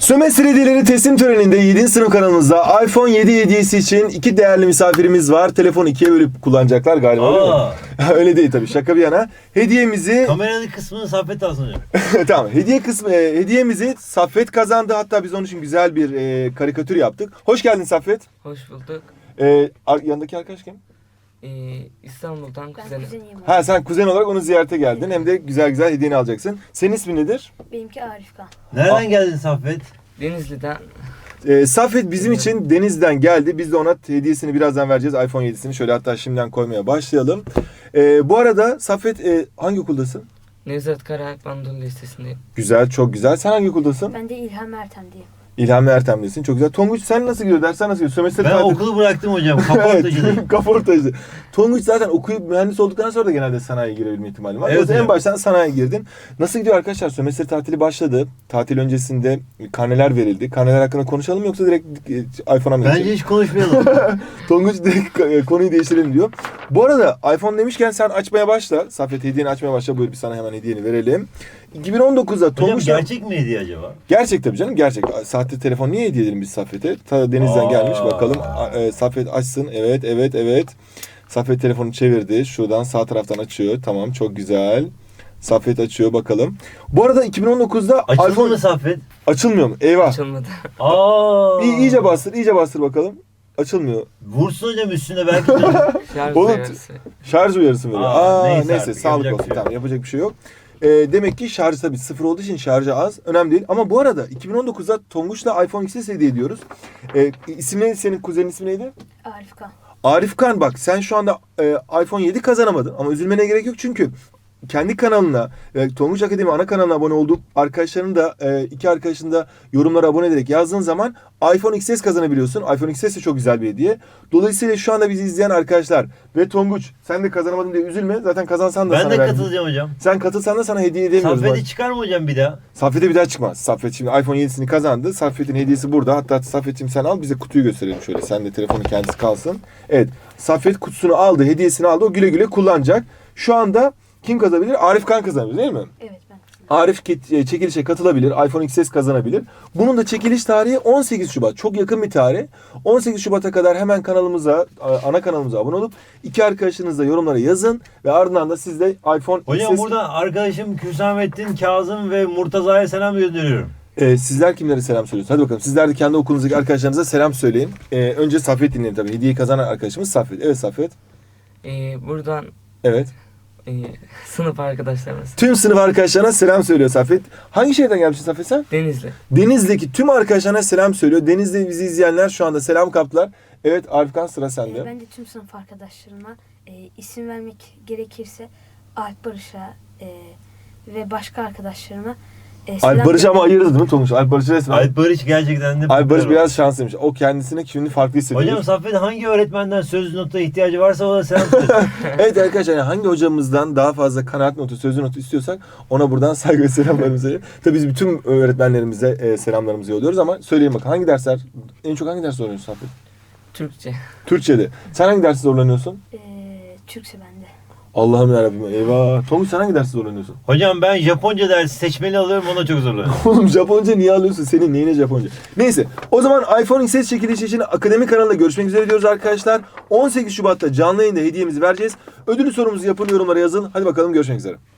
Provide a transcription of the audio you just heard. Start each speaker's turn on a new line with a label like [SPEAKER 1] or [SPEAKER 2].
[SPEAKER 1] Sömestr hediyeleri teslim töreninde 7. sınıf kanalımızda iPhone 7 hediyesi için iki değerli misafirimiz var. Telefonu ikiye bölüp kullanacaklar galiba, değil mi? Öyle değil tabii, şaka bir yana. Hediyemizi...
[SPEAKER 2] Kameranın kısmını Saffet alsın hocam.
[SPEAKER 1] Tamam, hediyemizi Saffet kazandı. Hatta biz onun için güzel bir karikatür yaptık. Hoş geldin Saffet.
[SPEAKER 3] Hoş bulduk.
[SPEAKER 1] Yanındaki arkadaş kim?
[SPEAKER 3] İstanbul'dan kuzenim.
[SPEAKER 1] Ha, sen kuzen olarak onu ziyarete geldin. Hem de güzel güzel hediyeni alacaksın. Senin ismin nedir?
[SPEAKER 4] Benimki Arifkan.
[SPEAKER 2] Nereden geldin Saffet?
[SPEAKER 3] Denizli'den.
[SPEAKER 1] Saffet bizim için Denizli'den geldi. Biz de ona hediyesini birazdan vereceğiz. iPhone 7'sini şöyle hatta şimdiden koymaya başlayalım. Bu arada Saffet hangi okuldasın?
[SPEAKER 3] Nevzat Karayak Anadolu Lisesi'ndeyim.
[SPEAKER 1] Güzel, çok güzel. Sen hangi okuldasın?
[SPEAKER 4] Ben de İlham Ertem'deyim.
[SPEAKER 1] İlhami Ertem'desin. Çok güzel. Tonguç sen nasıl gidiyor? Dersler nasıl gidiyor? Sömestr
[SPEAKER 2] Ben
[SPEAKER 1] tatil...
[SPEAKER 2] okulu bıraktım hocam. Kaportacıyım.
[SPEAKER 1] Kaportacı. Tonguç zaten okuyup mühendis olduktan sonra da genelde sanayiye girebilme ihtimali var.
[SPEAKER 2] Evet,
[SPEAKER 1] En baştan sanayiye girdin. Nasıl gidiyor arkadaşlar? Sömestr tatili başladı. Tatil öncesinde karneler verildi. Karneler hakkında konuşalım mı yoksa direkt iPhone'a mı
[SPEAKER 2] Bence
[SPEAKER 1] geçelim?
[SPEAKER 2] hiç konuşmayalım.
[SPEAKER 1] Tonguç direkt konuyu değiştirelim diyor. Bu arada iPhone demişken sen açmaya başla. Saffet hediyeni açmaya başla. Buyur, bir sana hemen hediyeni verelim. 2019'da
[SPEAKER 2] Hocam
[SPEAKER 1] Tonguç...
[SPEAKER 2] gerçek mi hediye acaba?
[SPEAKER 1] Gerçek tabii canım, gerçek. Sahte telefon niye hediye edelim biz Saffet'e? Ta Deniz'den gelmiş, bakalım. Saffet açsın. Evet. Saffet telefonu çevirdi. Şuradan sağ taraftan açıyor. Tamam, çok güzel. Saffet açıyor, bakalım. Bu arada 2019'da
[SPEAKER 2] Açıldı
[SPEAKER 1] iPhone...
[SPEAKER 2] mı Saffet?
[SPEAKER 1] Açılmıyor mu? Eyvah.
[SPEAKER 3] Açılmadı.
[SPEAKER 1] İyice bastır bakalım. Açılmıyor.
[SPEAKER 2] Vursun hocam üstüne belki.
[SPEAKER 3] Şarj
[SPEAKER 1] Oğlum,
[SPEAKER 3] uyarısı.
[SPEAKER 1] Şarj uyarısı veriyor. Neyse
[SPEAKER 2] artık,
[SPEAKER 1] sağlık
[SPEAKER 2] yapacak
[SPEAKER 1] olsun.
[SPEAKER 2] bir şey yok.
[SPEAKER 1] Tamam, yapacak bir şey yok. Demek ki şarjı tabii sıfır olduğu için şarjı az. Önemli değil. Ama bu arada 2019'da Tonguç'la iPhone XS hediye ediyoruz. İsim neydi? Senin kuzenin ismi neydi?
[SPEAKER 4] Arifkan.
[SPEAKER 1] Arifkan, bak sen şu anda iPhone 7 kazanamadın. Ama üzülmene gerek yok çünkü kendi kanalına, Tonguç Akademi ana kanalına abone olduğu arkadaşların da iki arkadaşın da yorumlara abone ederek yazdığın zaman iPhone XS kazanabiliyorsun. iPhone XS de çok güzel bir hediye. Dolayısıyla şu anda bizi izleyen arkadaşlar ve Tonguç sen de kazanamadın diye üzülme. Zaten kazansan da
[SPEAKER 2] Ben
[SPEAKER 1] sana
[SPEAKER 2] de
[SPEAKER 1] verdim.
[SPEAKER 2] katılacağım hocam.
[SPEAKER 1] Sen katılsan da sana hediye edemiyoruz.
[SPEAKER 2] Saffet'i çıkar mı hocam bir daha?
[SPEAKER 1] Saffet'e bir daha çıkmaz. Saffet şimdi iPhone 7'sini kazandı. Saffet'in hediyesi burada. Hatta Saffet'im sen al, bize kutuyu gösterelim şöyle. Sen de telefonun kendisi kalsın. Evet. Saffet kutusunu aldı, hediyesini aldı. O güle güle kullanacak. Şu anda kim kazanabilir? Arifkan kazanabilir, değil mi?
[SPEAKER 4] Evet, ben.
[SPEAKER 1] Arif çekilişe katılabilir. iPhone XS kazanabilir. Bunun da çekiliş tarihi 18 Şubat. Çok yakın bir tarih. 18 Şubat'a kadar hemen kanalımıza, ana kanalımıza abone olup iki arkadaşınızla yorumlara yazın ve ardından da siz de iPhone
[SPEAKER 2] Hocam
[SPEAKER 1] XS...
[SPEAKER 2] burada arkadaşım Hüsamettin, Kazım ve Murtaza'ya selam gönderiyorum.
[SPEAKER 1] Sizler kimlere selam söylüyorsunuz? Hadi bakalım. Sizler de kendi okulunuzdaki arkadaşlarınıza selam söyleyin. Önce Saffet dinleyelim tabii. Hediyeyi kazanan arkadaşımız Saffet. Evet Saffet.
[SPEAKER 3] Buradan
[SPEAKER 1] Evet.
[SPEAKER 3] sınıf arkadaşlarımız.
[SPEAKER 1] Tüm sınıf arkadaşlarına selam söylüyor Saffet. Hangi şehirden gelmişsin Saffet sen?
[SPEAKER 3] Denizli.
[SPEAKER 1] Denizli'deki tüm arkadaşlarına selam söylüyor. Denizli'de bizi izleyenler şu anda selam kaptılar. Evet Arifkan, sıra sende.
[SPEAKER 4] Ben de tüm sınıf arkadaşlarıma isim vermek gerekirse Alp Barış'a ve başka arkadaşlarıma
[SPEAKER 1] Alp Barış ama ayırdı değil mi Tonguç? Alp Barış resmen.
[SPEAKER 2] Alp Barış gerçekten de...
[SPEAKER 1] Alp Barış biraz şanslıymış. O kendisine şimdi farklı hissediyor.
[SPEAKER 2] Hocam Saffet hangi öğretmenden söz nota ihtiyacı varsa o da selam söyle.
[SPEAKER 1] Evet arkadaşlar, yani hangi hocamızdan daha fazla kanaat notu, sözlü notu istiyorsak ona buradan saygı ve selamlarımızı verelim. Tabii biz bütün öğretmenlerimize selamlarımızı yolluyoruz ama söyleyin bakalım hangi dersler, en çok hangi ders zorlanıyorsun Saffet?
[SPEAKER 3] Türkçe.
[SPEAKER 1] Türkçe'de. Sen hangi dersi zorlanıyorsun?
[SPEAKER 4] Türkçe bende.
[SPEAKER 1] Allah'ım yarabbim, eyvah. Tonguç sen hangi dersi zorlanıyorsun?
[SPEAKER 2] Hocam ben Japonca dersi seçmeli alıyorum, ona çok zorlanıyorum.
[SPEAKER 1] Oğlum Japonca niye alıyorsun? Senin neyine Japonca? Neyse, o zaman iPhone XS çekilişi için akademi kanalında görüşmek üzere diyoruz arkadaşlar. 18 Şubat'ta canlı yayında hediyemizi vereceğiz. Ödülü sorumuzu yapın, yorumlara yazın. Hadi bakalım, görüşmek üzere.